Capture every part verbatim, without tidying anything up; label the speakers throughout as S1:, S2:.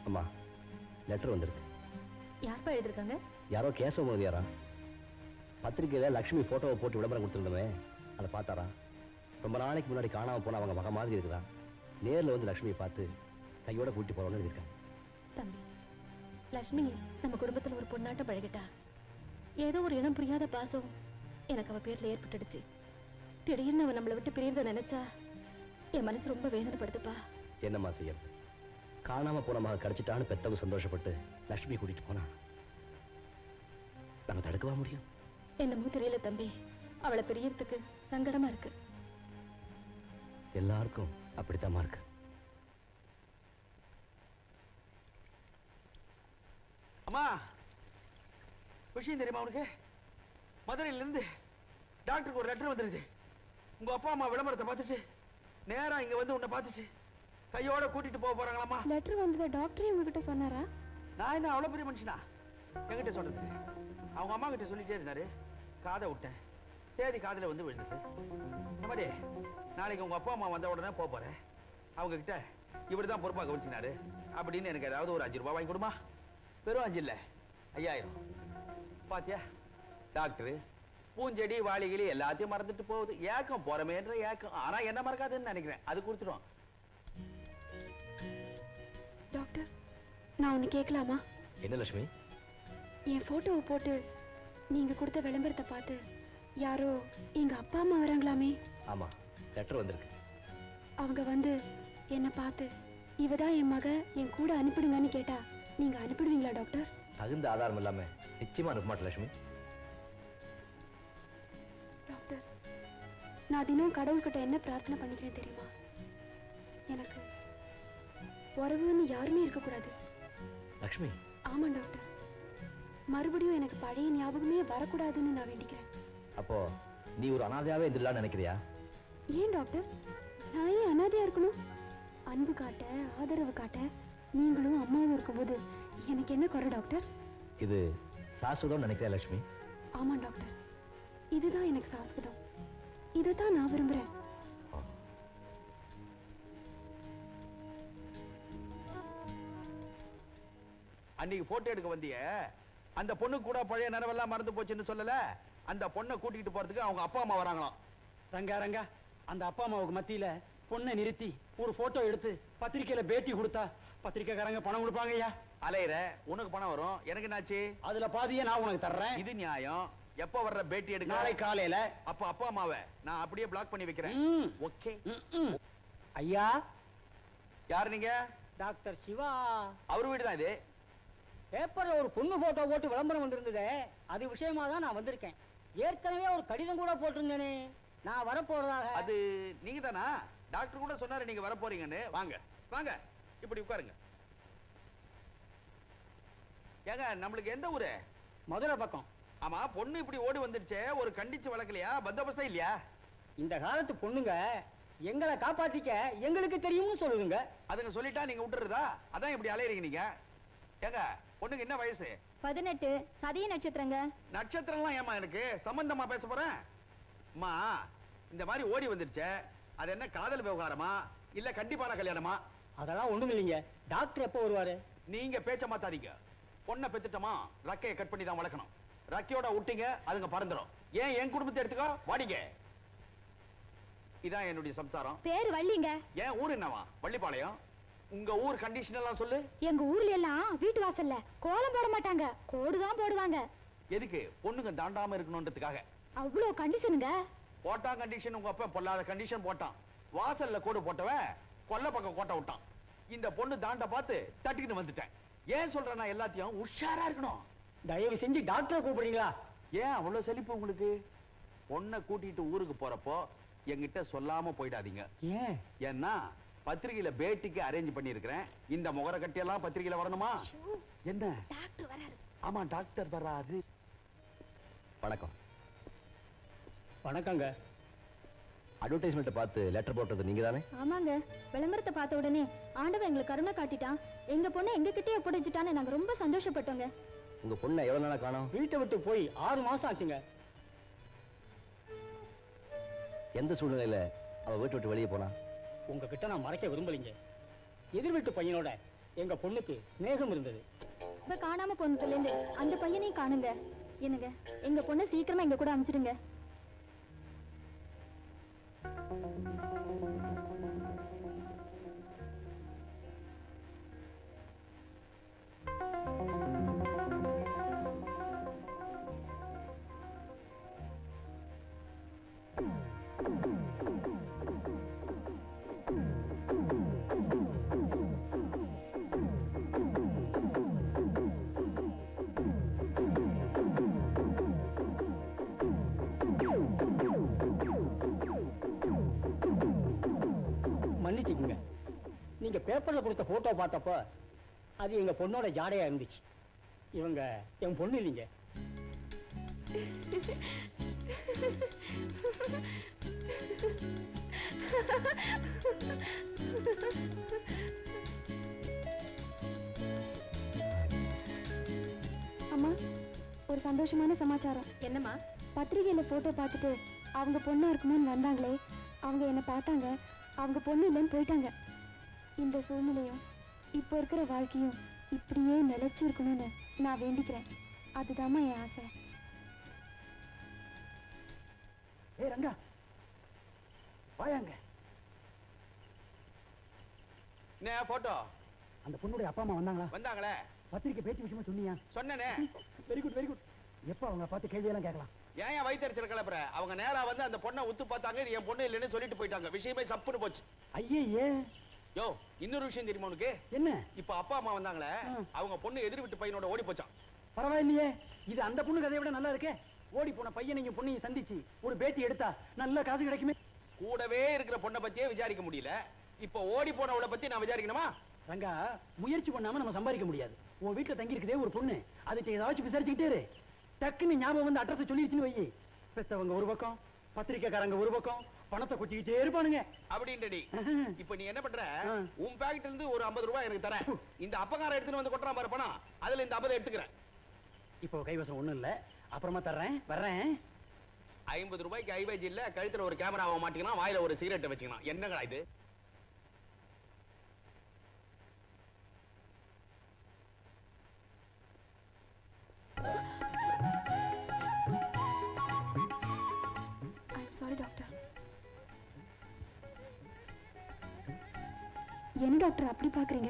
S1: அம்மா லெட்டர் வந்திருக்கு.
S2: யார்ப்பா எழுதிருக்காங்க?
S1: யாரோ கேசவ மோதியாரா. பத்திரிகையில லட்சுமி போட்டோவை போட்டு விளம்பரம் கொடுத்துருந்தோமே, அதை பார்த்தாரா? ரொம்ப நாளைக்கு முன்னாடி காணாம போன அவங்க மக மாதிரி இருக்குதா. நேரில் வந்து லட்சுமியை பார்த்து கையோட கூட்டி போறோம்னு எழுதியிருக்காங்க.
S2: தம்பி, லட்சுமி நம்ம குடும்பத்துல ஒரு பொண்ணாட்டம் பழகிட்டா. ஏதோ ஒரு இனம் புரியாத பாசம் எனக்கு அவ பேர்ல ஏற்பட்டுடுச்சு. திடீர்னு அவன் நம்மளை விட்டு பிரியறத நினைச்சா என் மனசு ரொம்ப வேதனைப்படுதுப்பா.
S1: என்னம்மா செய்யறது? காணாம போன மக கிடைச்சிட்டான்னு பெத்தவங்க சந்தோஷப்பட்டு லட்சுமி கூட்டிட்டு போனா நம்ம தடுக்கவா முடியும்?
S2: என்னமோ தெரியல தம்பி, அவளை பிரியறதுக்கு சங்கடமா இருக்கு.
S1: எல்லாருக்கும் அப்படித்தாம்மா இருக்கு.
S3: அம்மா, விஷயம் தெரியுமா உனக்கு? மதுரையில இருந்து டாக்டருக்கு ஒரு லெட்டர் வந்துருச்சு. உங்க அப்பா அம்மா விளம்பரத்தை பார்த்துச்சு, நேரா இங்க வந்து உன்னை பார்த்துச்சு, கையோட கூட்டிட்டு போக போறாங்களாமா.
S2: லெட்டர் வந்தது டாக்டரே உங்ககிட்ட சொன்னாரா?
S3: நான் என்ன அவ்வளவு பெரிய மனுஷனா என்கிட்ட சொல்றது? அவங்க அம்மா கிட்ட சொல்லிட்டே இருந்தாரு, காதை விட்டேன், சேதி காதுல வந்து விழுந்தது. இந்த மாதிரி நாளைக்கு உங்க அப்பா அம்மா வந்த உடனே போக போறேன். அவங்க கிட்ட இவர் தான் பொறுப்பாக கவனிச்சினாரு அப்படின்னு எனக்கு ஏதாவது ஒரு அஞ்சு ரூபாய் வாங்கி கொடுமா. வெறும் அஞ்சு இல்ல, ஐயாயிரம். பாத்தியா, டாக்டரு பூஞ்செடி வாளிகளி எல்லாத்தையும் மறந்துட்டு போகுது. ஏக்கம் போறமேன்ற ஏக்கம், ஆனா என்ன மறக்காதுன்னு நினைக்கிறேன். அது கொடுத்துடும்.
S2: டாக்டர், நான் ஒன்னு கேட்கலாமா?
S1: என்ன லட்சுமி?
S2: என் போட்டோவை போட்டு நீங்க கொடுத்த விளம்பரத்தை பார்த்து யாரோ எங்க அப்பா அம்மா வராங்களாமே.
S1: ஆமா, லெட்டர் வந்திருக்கு.
S2: அவங்க வந்து என்ன பார்த்து இவதான் என் மக, என் கூட அனுப்பிடுங்கன்னு கேட்டா நீங்க அனுப்பிடுவீங்களா டாக்டர்?
S1: தகுந்த ஆதாரம் இல்லாம நிச்சயமா அனுப்ப மாட்டேன் லட்சுமி.
S2: டாக்டர், நான் தினம் கடவுள்கிட்ட என்ன பிரார்த்தனை பண்ணிக்கிறேன் தெரியுமா? எனக்கு உறவுன்னு யாருமே இருக்கக்கூடாது.
S1: லட்சுமி.
S2: ஆமா டாக்டர், மறுபடியும் எனக்கு பழைய ஞாபகமே வரக்கூடாதுன்னு நான் வேண்டிக்கிறேன்.
S1: அப்போ நீ ஒரு அனாதையாவே இருந்துடலாம்னு நினைக்கிறியா?
S2: ஏன் டாக்டர், நான் ஏன் அனாதையா இருக்கணும்? அன்பு காட்ட, ஆதரவு காட்ட நீங்களும் அம்மாவும் இருக்கும்போது எனக்கு என்ன குறை டாக்டர்?
S1: இது சாஸ்வதம் நினைக்கிறேன் லட்சுமி.
S2: ஆமா டாக்டர், இதுதான் எனக்கு சாஸ்வதம். இதைத்தான் நான் விரும்புறேன்.
S3: அன்னைக்கு போட்டோ எடுக்க வந்திய அந்த பொண்ணு கூட பழைய நினைவெல்லாம் மறந்து போச்சுன்னு சொல்லல. அந்த பொண்ணை கூட்டிட்டு போறதுக்கு அவங்க அப்பா அம்மா வராங்களாம்.
S4: ரங்கா ரங்கா, அந்த அப்பா அம்மாவுக்கு மத்தியில பொண்ணை நிறுத்தி ஒரு போட்டோ எடுத்து பத்திரிக்கையில பேட்டி கொடுத்தா பத்திரிக்கைக்காரங்க பணம் கொடுப்பாங்க. ஐயா
S3: அலையிற, உனக்கு பணம் வரும், எனக்கு என்னாச்சு?
S4: அதுல பாதியே நான் உனக்கு தர்றேன்.
S3: இது நியாயம். எப்ப வர்ற பேட்டி எடுக்க?
S4: நாளை காலையில.
S3: அப்ப அப்பா அம்மாவை நான் அப்படியே பிளாக் பண்ணி வைக்கிறேன். ஓகே.
S4: ஐயா,
S3: யார் நீங்க?
S4: டாக்டர் சிவா.
S3: அவர் வீடு தான் இது.
S4: பேப்பர்ல ஒரு பொண்ணு போட்டோ போட்டு விளம்பரம் வந்திருந்ததே, அது விஷயமா தான் நான் வந்திருக்கேன். ஏற்கனவே ஒரு கடிதம் கூட போட்டிருந்தேனே, நான் வரப்போறதாக.
S3: அது நீங்க தானா? டாக்டர் கூட சொன்னாரு நீங்க வர போறீங்கன்னு. வாங்க வாங்க, இப்படி உட்காருங்க. ஏங்க, நம்மளுக்கு எந்த ஊரு?
S4: மதுரை பக்கம்.
S3: ஆமா, பொண்ணு இப்படி ஓடி வந்துடுச்சே, ஒரு கண்டிச்சு வளர்க்கலையா? பந்தோபஸ்தா இல்லையா?
S4: இந்த காலத்து பொண்ணுங்க எங்களை காப்பாத்திக்க எங்களுக்கு தெரியும்னு சொல்லுதுங்க.
S3: அதுங்க சொல்லிட்டா நீங்க விட்டுறதா? அதான் இப்படி அலையறீங்க நீங்க. ஏங்க, பொண்ணுக்கு என்ன வயசு?
S2: பதினெட்டு. சதய நட்சத்திரங்க.
S3: நட்சத்திரம்லாம் ஏமா எனக்கு சம்பந்தமா பேச போறேன்? அம்மா, இந்த மாதிரி ஓடி வந்துடுச்சே, அது என்ன காதல் விவகாரமா இல்ல கண்டிப்பான கல்யாணமா?
S4: அதெல்லாம் ஒண்ணும் இல்லைங்க. டாக்டர் எப்போ வருவாரு?
S3: நீங்க பேச்ச மாத்தாதீங்க. பொண்ணை பெத்துட்டமா ரக்கையை கட் பண்ணி தான் வளர்க்கணும். ரக்கையோட விட்டீங்க அதுங்க பறந்துடும். ஏன் என் குடும்பத்தை எடுத்துக்கோ, வாடிங்க. இதான் என்னுடைய சம்சாரம்.
S2: பேர் வள்ளிங்க.
S3: ஏன் ஊர் என்னவா? வள்ளிப்பாளையம். உங்க ஊர் கண்டிஷன் எல்லாம் சொல்லு.
S2: எங்க ஊர்ல எல்லாம் வீட்டு வாசல்ல கோலம் போட மாட்டாங்க, கோடுதான் போடுவாங்க.
S3: எதுக்கு? பொண்ணுங்க தாண்டாம இருக்கணும்ன்றதுக்காக.
S2: அவ்வளவு கண்டிஷனுங்க.
S3: போட்டா கண்டிஷன். உங்க அப்பா பொல்லாத கண்டிஷன் போட்டான். வாசல்ல கோடு போட்டவன் கொல்ல பக்கம் கோட்டை விட்டான். இந்த பொண்ணு தாண்ட பார்த்து தட்டிக்கிட்டு வந்துட்டேன். ஏன் சொல்றேன்னா எல்லாத்தையும் உஷாரா இருக்கணும்.
S4: தயவு செஞ்சு டாக்டரை கூப்பிடுறீங்களா?
S3: ஏன் அவ்வளவு செழிப்பு உங்களுக்கு? பொண்ணை கூட்டிட்டு ஊருக்கு போறப்போ என்கிட்ட சொல்லாம போயிடாதீங்க.
S4: ஏன்?
S3: ஏன்னா பத்திரிகையில பேட்டிக்கு அரேஞ்ச் பண்ணி இருக்கிறேன். இந்த முகர கட்டி எல்லாம் பத்திரிகையில வரணுமா? என்ன?
S2: டாக்டர் வராரு.
S3: ஆமா, டாக்டர் வராரு.
S1: வணக்கம்.
S4: வணக்கங்க.
S1: அட்வர்டைஸ்மெண்ட் பார்த்து லெட்டர் போட்டது நீங்க தானே?
S2: ஆமாங்க. விளம்பரத்தை பார்த்த உடனே ஆண்டவன் எங்களுக்கு கருணை காட்டிட்டான். எங்க பொண்ணை எங்க கிட்டே ஒப்படைச்சிட்டான்னு நாங்க ரொம்ப சந்தோஷப்பட்டோங்க.
S1: உங்க பொண்ணை எவ்வளவு நாளா காணோம்?
S4: வீட்டை விட்டு போய் ஆறு மாசம் ஆச்சுங்க.
S1: எந்த சூழ்நிலையில அவ வீட்டை விட்டு வெளியே போனா?
S4: உங்ககிட்ட நான் மறைக்க விரும்பலீங்க. எதிர் வீட்டு பையனோட எங்க பொண்ணுக்கு ஸ்நேகம் இருந்தது.
S5: இப்ப காணாம போனதுல இருந்து அந்த பையனையும் காணுங்க. என்னங்க, எங்க பொண்ணை சீக்கிரமா எங்க கூட அனுப்பிச்சிடுங்க.
S4: மன்னிச்சுக்குங்க, நீங்க பேப்பர்ல கொடுத்த போட்டோ பார்த்தப்ப அது எங்க பொண்ணோட ஜாடையா இருந்துச்சு. இவங்க என் பொண்ணு இல்லைங்க.
S5: அம்மா, ஒரு சந்தோஷமான சமாச்சாரம்.
S2: என்னம்மா?
S5: பத்திரிகையில போட்டோ பார்த்துட்டு அவங்க பொண்ணா இருக்குமோன்னு வந்தாங்களே, அவங்க என்ன பார்த்தாங்க, அவங்க பொண்ணு இல்லைன்னு போயிட்டாங்க. இந்த சூழ்நிலையும் இப்போ இருக்கிற வாழ்க்கையும் இப்படியே நிலைச்சு இருக்கணும்னு நான் வேண்டிக்கிறேன். அதுதாம்மா என் ஆசை.
S3: ஏ ரங்கா, வாயாங்க. என்ன போட்டோ?
S4: அந்த பொண்ணுடைய அப்பா அம்மா வந்தாங்களா?
S3: வந்தாங்களே.
S4: பத்திரிக்கை பேச்சு விஷயமா சொன்னியா?
S3: சொன்னனே.
S4: Very good very good. எப்ப அவங்க பார்த்து கேள்வியெல்லாம் கேட்கலாம்?
S3: ஏன் ஏன் வயிற்றுச்சல் கிளப்புற? அவங்க நேரா வந்து அந்த பொண்ணை உத்து பார்த்தாங்க, இது என் பொண்ணு இல்லைன்னு சொல்லிட்டு போயிட்டாங்க. விஷயமே சப்புன்னு போச்சு.
S4: ஐயே,
S3: யோ, இன்னொரு விஷயம் தெரியுமா உனக்கு?
S4: என்ன?
S3: இப்ப அப்பா அம்மா வந்தாங்களே, அவங்க பொண்ணு எதிர் வீட்டு பையனோட ஓடி போச்சான்.
S4: பரவாயில்லையே, இது அந்த பொண்ணு கதையை விட நல்லா இருக்கே. ஓடி போன பையனையும் பொண்ணையும் சந்திச்சு ஒரு பேட்டி எடுத்தா நல்ல காசு கிடைக்குமே.
S3: கூடவே இருக்கிற பொண்ணை பத்தியே விசாரிக்க முடியல, இப்ப ஓடி போனவளை பத்தி நான் விசாரிக்கணுமா?
S4: ரங்கா, முயற்சி பண்ணாம நம்ம சம்பாதிக்க முடியாது. உன் வீட்டுல தங்கி இருக்குதே ஒரு பொண்ணு, அதுக்கு ஏதாச்சும் விசாரிச்சுக்கிட்டே இரு. டக்குன்னு ஞாபகம் வந்து அட்ரஸ் சொல்லிடுச்சுன்னு வை. பெத்தவங்க ஒரு பக்கம், பத்திரிக்கைக்காரங்க ஒரு பக்கம், பணத்தை கொட்டிக்கிட்டே இருப்பானுங்க.
S3: அப்படின்றடி. இப்ப நீ என்ன பண்ற? உன் பாக்கெட்ல இருந்து ஒரு ஐம்பது ரூபாய் எனக்கு தர. இந்த அப்பகார எடுத்துட்டு வந்து கொட்டுறான் பாரு பணம், அதுல இந்த ஐம்பது எடுத்துக்கிறேன்.
S4: இப்போ கைவசம் ஒண்ணும் இல்ல, அப்புறமா தர்றேன், வர்றேன்.
S3: ஐம்பது ரூபாய்க்கு ஐவேஜ் இல்ல, கழுத்துல ஒரு கேமராவை மாட்டிக்கலாம், வாயில ஒரு சிகரெட்டை வச்சுக்கலாம். என்னங்களா இது?
S5: Sorry doctor. என்ன டாக்டர் அப்படி பாக்குறீங்க?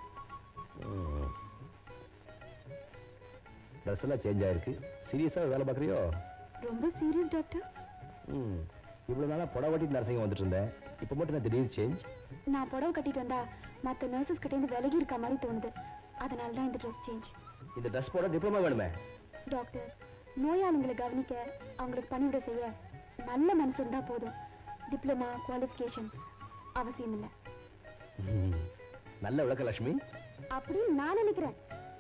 S1: ட்ரெஸ் எல்லாம் சேஞ்ச் ஆயிருக்கு. சீரியஸா வேலை பார்க்குறியோ?
S5: ரொம்ப சீரியஸ் டாக்டர்.
S1: ம், இவ்வளவு நாளா புடவை கட்டிட்டு நர்சிங் வந்துட்டு இருந்தேன், இப்போ மட்டும் நான் திடீர்னு சேஞ்ச்.
S5: நான் புடவை கட்டிட்டு வந்தா மற்ற நர்சஸ் கிட்ட இருந்து விலகி இருக்க மாதிரி தோணுது. அதனால தான் இந்த ட்ரெஸ் சேஞ்ச்.
S1: இந்த ட்ரெஸ் போட டிப்ளமா வேணுமே?
S5: டாக்டர், நோயாளிகளை கவனிக்க, அவங்களுக்கு பணிவிட செய்ய நல்ல மனசு இருந்தா போதும். டிப்ளமா குவாலிஃபிகேஷன் அவசியம் இல்லை.
S1: நல்ல விளக்க லட்சுமி.
S5: அப்படின்னு நான் நினைக்கிறேன்.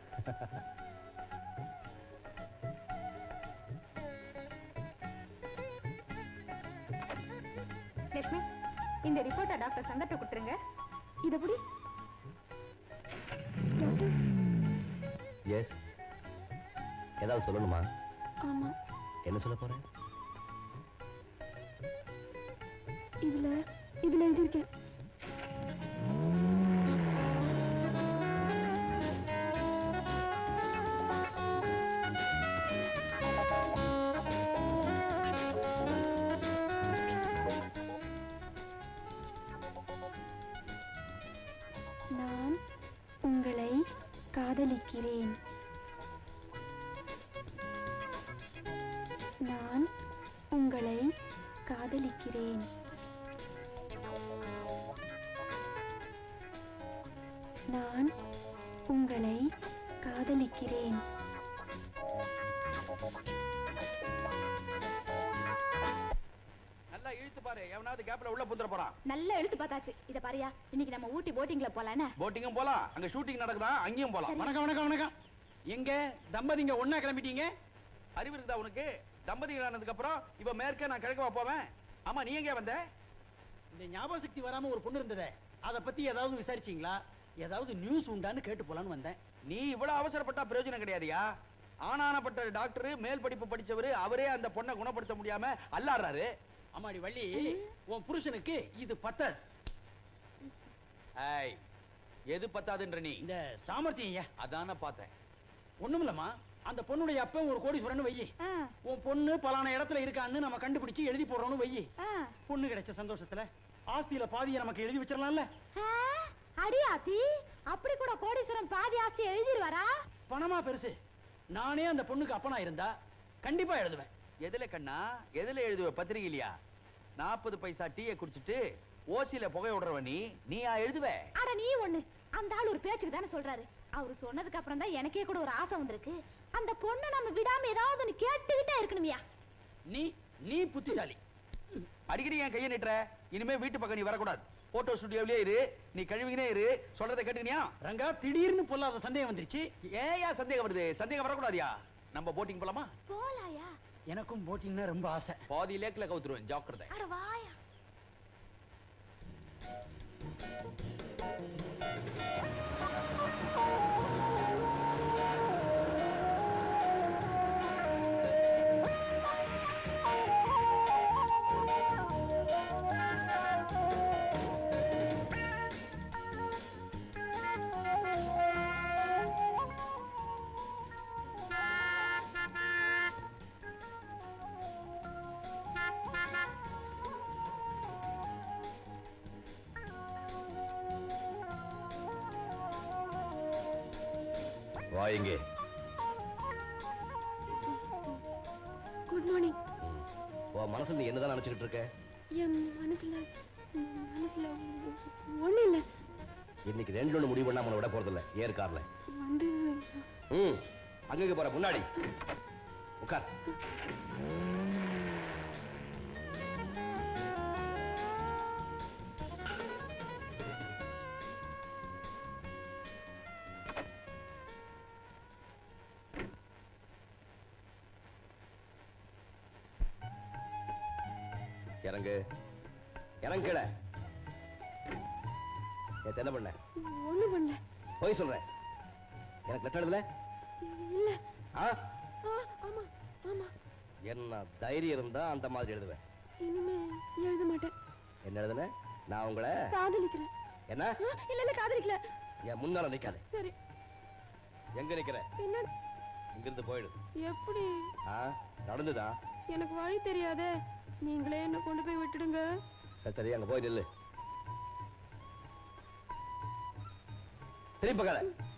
S5: லட்சுமி, இந்த ரிப்போர்ட்டை டாக்டர் சங்கத்தை கொடுத்துருங்க. இது எப்படி? டாக்டர்.
S1: எஸ், ஏதாவது சொல்லணுமா?
S5: ஆமா.
S1: என்ன சொல்ல போறேன்?
S5: இதுல இதுல எழுதியிருக்கேன். நான் உங்களை காதலிக்கிறேன். நான் உங்களை காதலிக்கிறேன். நான் உங்களை காதலிக்கிறேன்.
S3: நல்லா இழுத்து பாரு, எவனாவது கேப்ல உள்ள புந்துற போறான்.
S2: நல்லா எழுத்து பார்த்தாச்சு. இத பாரியா, இன்னைக்கு நம்ம ஊட்டி போட்டிங்ல போலானே.
S3: போட்டிங்கும் போலாம், அங்க ஷூட்டிங் நடக்குதா, அங்கேயும் போலாம்.
S4: வணக்கம் வணக்கம் வணக்கம். எங்க தம்பதிங்க ஒண்ணா கிளம்பிட்டீங்க?
S3: அறிவு இருக்குதா உனக்கு? தம்பதிகள் ஆனதுக்கு அப்புறம் இவ மேற்க, நான் கிழக்கவா போவேன்? ஆமா, நீ எங்க வந்த?
S4: இந்த ஞாபக சக்தி வராம ஒரு பொண்ணு இருந்ததே, அத பத்தி ஏதாவது விசாரிச்சீங்களா? ஏதாவது நியூஸ் உண்டான்னு கேட்டு போலான்னு வந்தேன்.
S3: நீ இவ்வளவு அவசரப்பட்டா பிரயோஜனம் கிடையாதுயா. ஆனானப்பட்ட டாக்டர், மேல் படிப்பு படிச்சவரு, அவரே அந்த பொண்ணை குணப்படுத்த முடியாம அல்லாடுறாரு.
S4: அம்மாடி வள்ளி, உன் புருஷனுக்கு இது பத்தர்.
S3: ஏய், எது பத்தாதுன்ற நீ?
S4: இந்த சாமர்த்தியம் ஐயா.
S3: அதான பார்த்தேன்.
S4: ஒண்ணுமில்லம்மா, அந்த பொண்ணுடைய அப்பன் ஒரு கோடீஸ்வரன் வையி, உன் பொண்ணு பலான இடத்துல இருக்கான்னு நம்ம கண்டுபிடிச்சு எழுதி போடுறோம்னு வையி, பொண்ணு கிடைச்ச சந்தோஷத்துல ஆஸ்தியில பாதியை நமக்கு எழுதி வச்சிடலாம்ல.
S5: அடியாத்தி, அப்படி கூட கோடீஸ்வரன் பாதி ஆஸ்தி எழுதிடுவாரா?
S4: பணமா பெருசு. நானே அந்த பொண்ணுக்கு அப்பனா இருந்தா கண்டிப்பா எழுதுவேன்.
S3: எதுல கண்ணா? எதுல எழுதுவ? பத்திரிகையிலையா? நாற்பது பைசா டீயை குடிச்சிட்டு ஓசியில புகை விடுறவ நீ நீயா எழுதுவ?
S5: அட நீ ஒண்ணு, அந்த ஆள் ஒரு பேச்சுக்கு தானே சொல்றாரு. அவரு சொன்னதுக்கு அப்புறம் தான் எனக்கே கூட ஒரு ஆசை வந்திருக்கு. அந்த பொண்ணை நம்ம விடாம ஏதாவது ஒண்ணு கேட்டுக்கிட்டே இருக்கணுமியா.
S4: நீ நீ புத்திசாலி.
S3: அடிக்கடி என் கையை நிட்டுற. இனிமே வீட்டு பக்கம் நீ வரக்கூடாது. போட்டோ ஸ்டுடியோவிலே இரு. நீ கழுவினே இரு. சொல்றதை கேட்டுக்கினியா?
S4: ரங்கா, திடீர்னு பொல்லாத சந்தேகம் வந்துருச்சு.
S3: ஏயா சந்தேகம் வருது? சந்தேகம் வரக்கூடாதியா? நம்ம போட்டிங் போலாமா?
S5: போலாயா?
S4: எனக்கும் போட்டிங்னா ரொம்ப ஆசை.
S3: பாதி லேக்ல கவுத்துருவேன், ஜாக்கிரதை.
S5: அட வாயா.
S1: வா இங்கே.
S2: Good morning.
S1: உன் மனசுல நீ என்னதான் நினைச்சுக்கிட்டு இருக்க?
S2: என் மனசுல மனசுல ஒண்ணு இல்ல.
S1: இன்னைக்கு ரெண்டு ஒண்ணு முடிவு பண்ணா நம்மள விட போறது இல்ல. ஏர் கார்ல
S2: வந்து
S1: ம் அங்கங்க போற முன்னாடி உட்கார். இறங்கு இறங்குல. நேத்து என்ன பண்ண?
S2: ஒண்ணு பண்ணல.
S1: போய் சொல்றேன். எனக்கு லெட்டர் எழுதல?
S2: இல்ல.
S1: ஆ?
S2: ஆமா ஆமா.
S1: என்ன தைரியம் இருந்தா அந்த மாதிரி எழுதுவேன்.
S2: இனிமே எழுத மாட்டேன்.
S1: என்ன எழுதுன? நான் உங்களை
S2: காதலிக்கிறேன்.
S1: என்ன?
S2: இல்ல இல்ல காதலிக்கல.
S1: என் முன்னால நிக்காத.
S2: சரி.
S1: எங்க நிக்கிற?
S2: என்ன?
S1: இங்கிருந்து போயிடு.
S2: எப்படி?
S1: ஆ நடந்துதா?
S2: எனக்கு வழி தெரியாதே. நீங்களே என்ன கொண்டு போய் விட்டுடுங்க.
S1: சரி சரி, அங்க போய் நில்லு. திரும்பி பார்க்காத.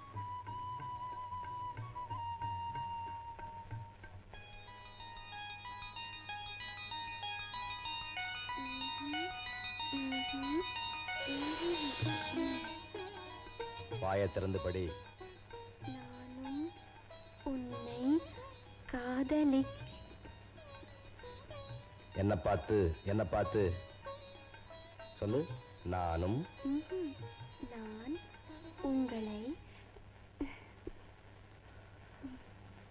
S1: வாயை திறந்து படி.
S2: நானும் உன்னை காதலி.
S1: என்ன பார்த்து என்ன பார்த்து சொல்லு. நானும்
S2: நான் உங்களை